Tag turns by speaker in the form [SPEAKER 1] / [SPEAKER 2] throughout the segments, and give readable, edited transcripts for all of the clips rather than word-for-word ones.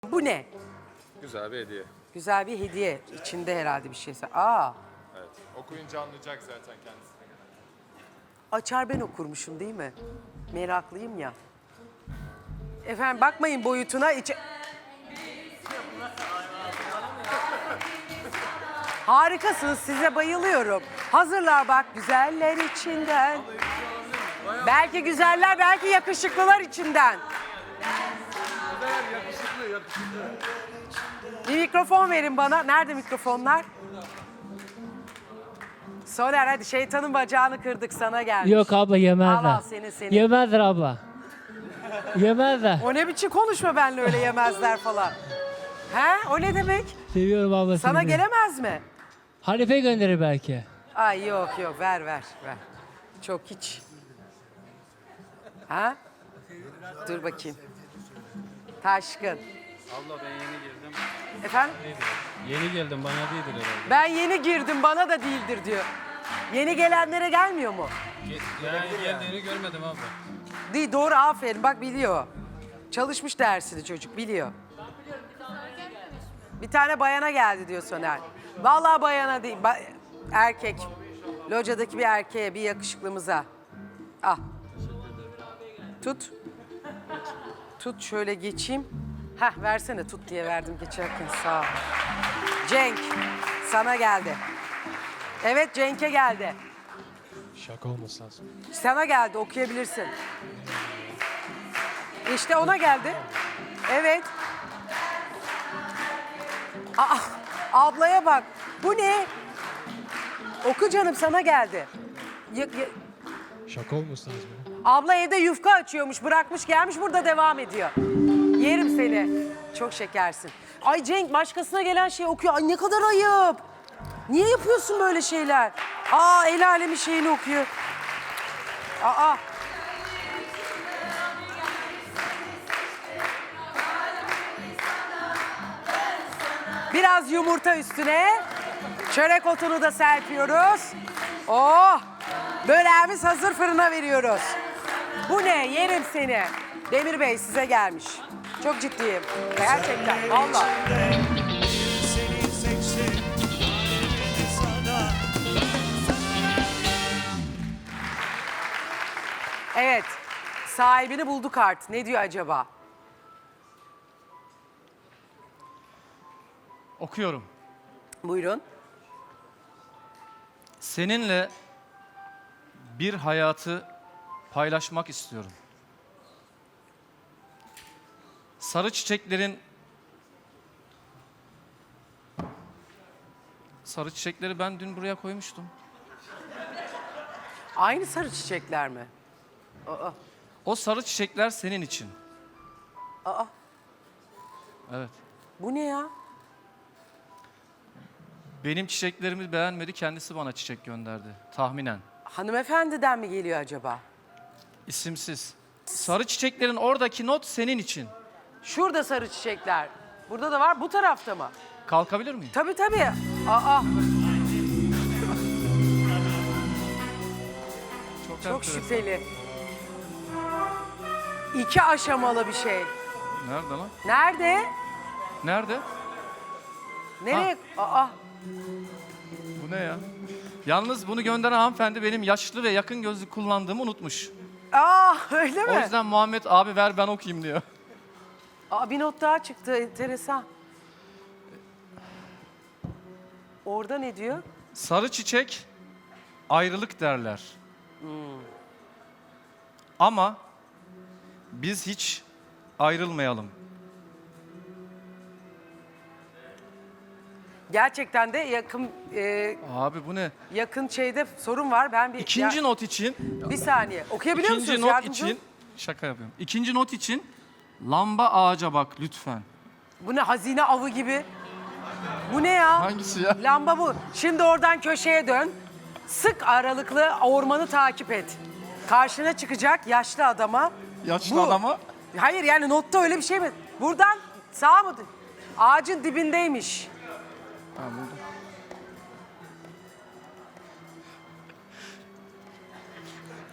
[SPEAKER 1] Bu ne?
[SPEAKER 2] Güzel bir hediye.
[SPEAKER 1] Güzel bir hediye. İçinde herhalde bir şeyse. Aa,
[SPEAKER 2] Evet. Okuyunca anlayacak zaten kendisi.
[SPEAKER 1] açar ben okurmuşum değil mi? Meraklıyım ya. Efendim bakmayın boyutuna. Harikasınız, size bayılıyorum. Hazırlar bak güzeller içinden. Belki güzeller, belki yakışıklılar içinden. Bir mikrofon verin bana. Nerede mikrofonlar? Soner hadi şeytanın bacağını kırdık sana gelmiş.
[SPEAKER 3] Yok abla yemezler.
[SPEAKER 1] Al al seni.
[SPEAKER 3] Yemezler abla. Yemezler.
[SPEAKER 1] O ne biçim konuşma benimle öyle yemezler falan. He? O ne demek?
[SPEAKER 3] Seviyorum abla
[SPEAKER 1] Sana
[SPEAKER 3] seni.
[SPEAKER 1] gelemez mi?
[SPEAKER 3] Hanife gönderir belki.
[SPEAKER 1] Ay yok ver. Çok hiç. Ha? Dur bakayım. Taşkın.
[SPEAKER 4] Abla ben yeni girdim.
[SPEAKER 1] Efendim?
[SPEAKER 4] Yeni geldim bana değildir herhalde.
[SPEAKER 1] Ben yeni girdim bana da değildir diyor. Yeni gelenlere gelmiyor mu?
[SPEAKER 4] Yani geldiğini görmedim abla.
[SPEAKER 1] Değil doğru aferin bak biliyor. Çalışmış dersini çocuk biliyor. Bir tane bayana geldi diyor Soner. Vallahi bayana değil erkek. Locadaki bir erkeğe bir yakışıklımıza. Ah. Tut. Tut şöyle geçeyim. Heh versene tut diye verdim geçerken sağ ol. Cenk sana geldi. Evet Cenk'e geldi.
[SPEAKER 4] Şaka olması lazım.
[SPEAKER 1] Sana geldi okuyabilirsin. İşte ona geldi. Evet. Aa, ablaya bak. Bu ne? Oku canım sana geldi.
[SPEAKER 4] Şaka olması lazım.
[SPEAKER 1] Abla evde yufka açıyormuş, bırakmış gelmiş burada devam ediyor. Yerim seni. Çok şekersin. Ay Cenk başkasına gelen şeyi okuyor. Ay ne kadar ayıp. Niye yapıyorsun böyle şeyler? Aa el alemin şeyini okuyor. Aa. Biraz yumurta üstüne. Çörek otunu da serpiyoruz. Oh! Böreğimiz hazır fırına veriyoruz. Bu ne? Yerim seni. Demir Bey size gelmiş. Çok ciddiyim. Gerçekten. Vallahi.
[SPEAKER 5] Seni seçtim, alemini sana.
[SPEAKER 1] Evet. Sahibini bulduk artık. Ne diyor acaba?
[SPEAKER 6] Okuyorum.
[SPEAKER 1] Buyurun.
[SPEAKER 6] Seninle bir hayatı paylaşmak istiyorum. Sarı çiçekleri ben dün buraya koymuştum.
[SPEAKER 1] Aynı sarı çiçekler mi? Aa.
[SPEAKER 6] O sarı çiçekler senin için.
[SPEAKER 1] Aa.
[SPEAKER 6] Evet.
[SPEAKER 1] Bu ne ya?
[SPEAKER 6] Benim çiçeklerimi beğenmedi, kendisi bana çiçek gönderdi. Tahminen.
[SPEAKER 1] Hanımefendiden mi geliyor acaba?
[SPEAKER 6] İsimsiz. Sarı çiçeklerin oradaki not senin için.
[SPEAKER 1] Şurada sarı çiçekler. Burada da var. Bu tarafta mı?
[SPEAKER 6] Kalkabilir miyim?
[SPEAKER 1] Tabii. Aa. Çok
[SPEAKER 6] enteresan.
[SPEAKER 1] şüpheli. 2 aşamalı bir şey.
[SPEAKER 6] Nerede lan?
[SPEAKER 1] Nerede?
[SPEAKER 6] Nerede?
[SPEAKER 1] Nereye? Aa.
[SPEAKER 6] Bu ne ya? Yalnız bunu gönderen hanımefendi benim yaşlı ve yakın gözlük kullandığımı unutmuş.
[SPEAKER 1] Aa öyle mi?
[SPEAKER 6] O yüzden Muhammed abi ver ben okuyayım diyor.
[SPEAKER 1] Aa, bir not daha çıktı. Enteresan. Orada ne diyor?
[SPEAKER 6] Sarı çiçek ayrılık derler. Ama biz hiç ayrılmayalım.
[SPEAKER 1] Gerçekten de yakın
[SPEAKER 6] Abi bu ne?
[SPEAKER 1] yakın şeyde sorun var. Ben bir
[SPEAKER 6] İkinci not için,
[SPEAKER 1] bir saniye. Okuyabiliyor
[SPEAKER 6] ikinci
[SPEAKER 1] musunuz?
[SPEAKER 6] not
[SPEAKER 1] Yardımcı olun.
[SPEAKER 6] için şaka yapıyorum. İkinci not için lamba ağaca bak lütfen.
[SPEAKER 1] Bu ne hazine avı gibi? Bu ne ya?
[SPEAKER 6] Hangisi ya?
[SPEAKER 1] Lamba bu. Şimdi oradan köşeye dön. Sık aralıklı ormanı takip et. Karşına çıkacak yaşlı adama.
[SPEAKER 6] Yaşlı adama.
[SPEAKER 1] Hayır yani notta öyle bir şey mi? Buradan sağ mı? Ağacın dibindeymiş.
[SPEAKER 6] Ha, buldum.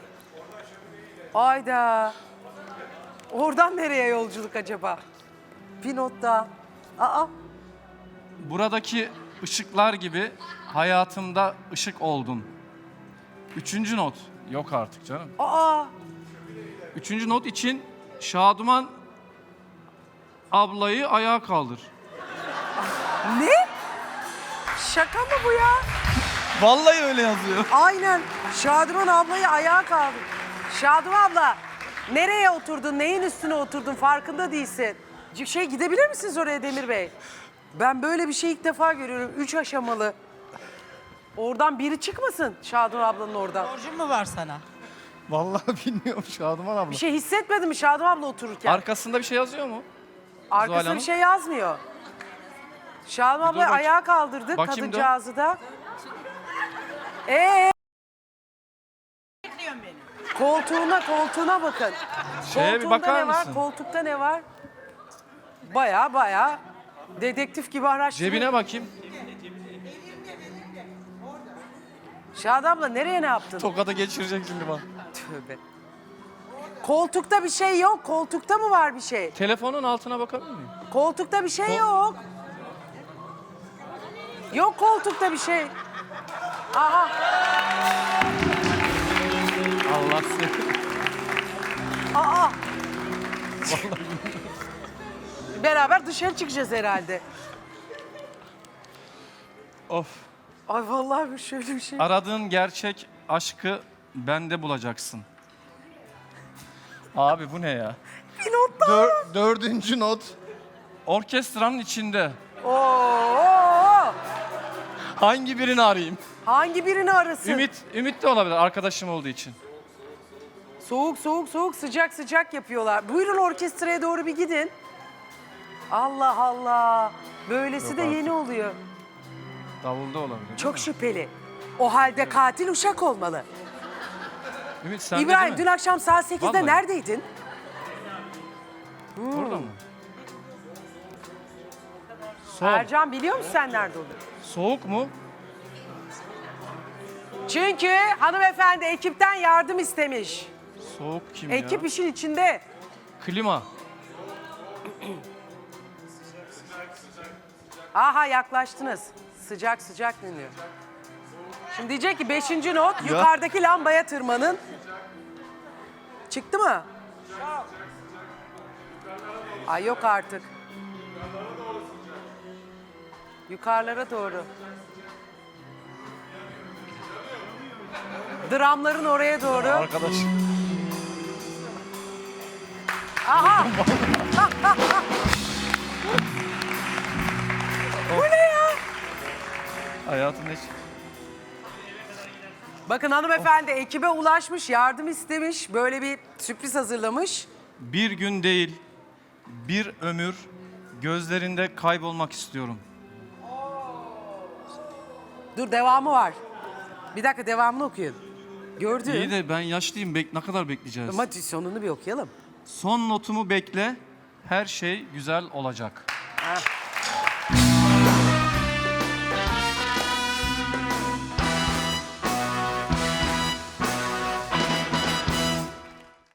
[SPEAKER 1] Ayda. Oradan nereye yolculuk acaba? Bir not daha. Aa,
[SPEAKER 6] Buradaki ışıklar gibi hayatımda ışık oldun. 3. not. Yok artık canım.
[SPEAKER 1] aa.
[SPEAKER 6] 3. not için Şaduman ablayı ayağa kaldır.
[SPEAKER 1] Ne? Şaka mı bu ya?
[SPEAKER 6] Vallahi öyle yazıyor.
[SPEAKER 1] Aynen. Şadıman ablayı ayağa kaldır. Şadıman abla, nereye oturdun, neyin üstüne oturdun farkında değilsin. Gidebilir misiniz oraya Demir Bey? Ben böyle bir şey ilk defa görüyorum. 3 aşamalı. Oradan biri çıkmasın Şadıman ablanın oradan.
[SPEAKER 7] Borcum mu var sana?
[SPEAKER 6] Vallahi bilmiyorum Şaduman abla.
[SPEAKER 1] Bir şey hissetmedin mi Şadıman abla otururken?
[SPEAKER 6] Arkasında bir şey yazıyor mu? Zuhal
[SPEAKER 1] Arkasında
[SPEAKER 6] Hanım?
[SPEAKER 1] bir şey yazmıyor. Şadıman
[SPEAKER 6] Bir dur
[SPEAKER 1] ablayı
[SPEAKER 6] bakayım.
[SPEAKER 1] ayağa kaldırdık,
[SPEAKER 6] Bakayım dur.
[SPEAKER 1] kadıncağızı da.
[SPEAKER 7] Bekliyorsun beni.
[SPEAKER 1] Koltuğuna bakın.
[SPEAKER 6] Şeye bir
[SPEAKER 1] Koltuğunda
[SPEAKER 6] bakar
[SPEAKER 1] ne var?
[SPEAKER 6] mısın?
[SPEAKER 1] Koltukta ne var? Baya dedektif gibi araştırıyor.
[SPEAKER 6] Cebine bakayım.
[SPEAKER 1] Şadan abla nereye ne yaptın?
[SPEAKER 6] Tokada geçirecek şimdi bana.
[SPEAKER 1] Tövbe. Koltukta bir şey yok. Koltukta mı var bir şey?
[SPEAKER 6] Telefonun altına bakabilir miyim?
[SPEAKER 1] Koltukta bir şey yok. Yok koltukta bir şey. Aha.
[SPEAKER 6] Allah seni.
[SPEAKER 1] Aa. Beraber dışarı çıkacağız herhalde.
[SPEAKER 6] Of.
[SPEAKER 1] Ay vallahi bir şöyle bir şey.
[SPEAKER 6] Aradığın gerçek aşkı bende bulacaksın. Abi bu ne ya?
[SPEAKER 1] Bir not daha.
[SPEAKER 6] 4. not. Orkestranın içinde.
[SPEAKER 1] Oo.
[SPEAKER 6] Hangi birini arayayım?
[SPEAKER 1] Hangi birini arasın?
[SPEAKER 6] Ümit de olabilir arkadaşım olduğu için.
[SPEAKER 1] Soğuk sıcak yapıyorlar. Buyurun orkestraya doğru bir gidin. Allah Allah. Böylesi de yeni oluyor.
[SPEAKER 6] Davulda olabilir.
[SPEAKER 1] Çok şüpheli. O halde katil uşak olmalı.
[SPEAKER 6] Ümit sen
[SPEAKER 1] İbrahim
[SPEAKER 6] de
[SPEAKER 1] dün
[SPEAKER 6] değil mi?
[SPEAKER 1] akşam saat 8'de
[SPEAKER 6] Vallahi.
[SPEAKER 1] neredeydin?
[SPEAKER 6] Orada mı? Soğuk.
[SPEAKER 1] Ercan biliyor musun sen nerede olduğunu?
[SPEAKER 6] Soğuk mu?
[SPEAKER 1] Çünkü hanımefendi ekipten yardım istemiş.
[SPEAKER 6] Soğuk kim
[SPEAKER 1] Ekip
[SPEAKER 6] ya?
[SPEAKER 1] işin içinde.
[SPEAKER 6] Klima.
[SPEAKER 1] Aha yaklaştınız. Sıcak dinliyor. Şimdi diyecek ki 5. not yukarıdaki lambaya tırmanın. Çıktı mı? Ay yok artık. Yukarılara doğru. Dramların oraya doğru.
[SPEAKER 6] Arkadaş.
[SPEAKER 1] Aha! Bu ne ya?
[SPEAKER 6] Hayatımda hiç...
[SPEAKER 1] Bakın hanımefendi ekibe ulaşmış, yardım istemiş. Böyle bir sürpriz hazırlamış.
[SPEAKER 6] Bir gün değil, bir ömür gözlerinde kaybolmak istiyorum.
[SPEAKER 1] Dur devamı var. Bir dakika devamını okuyun. Gördün.
[SPEAKER 6] İyi de ben yaşlıyım, ne kadar bekleyeceğiz?
[SPEAKER 1] Ama sonunu bir okuyalım.
[SPEAKER 6] Son notumu bekle, her şey güzel olacak.
[SPEAKER 1] Ha.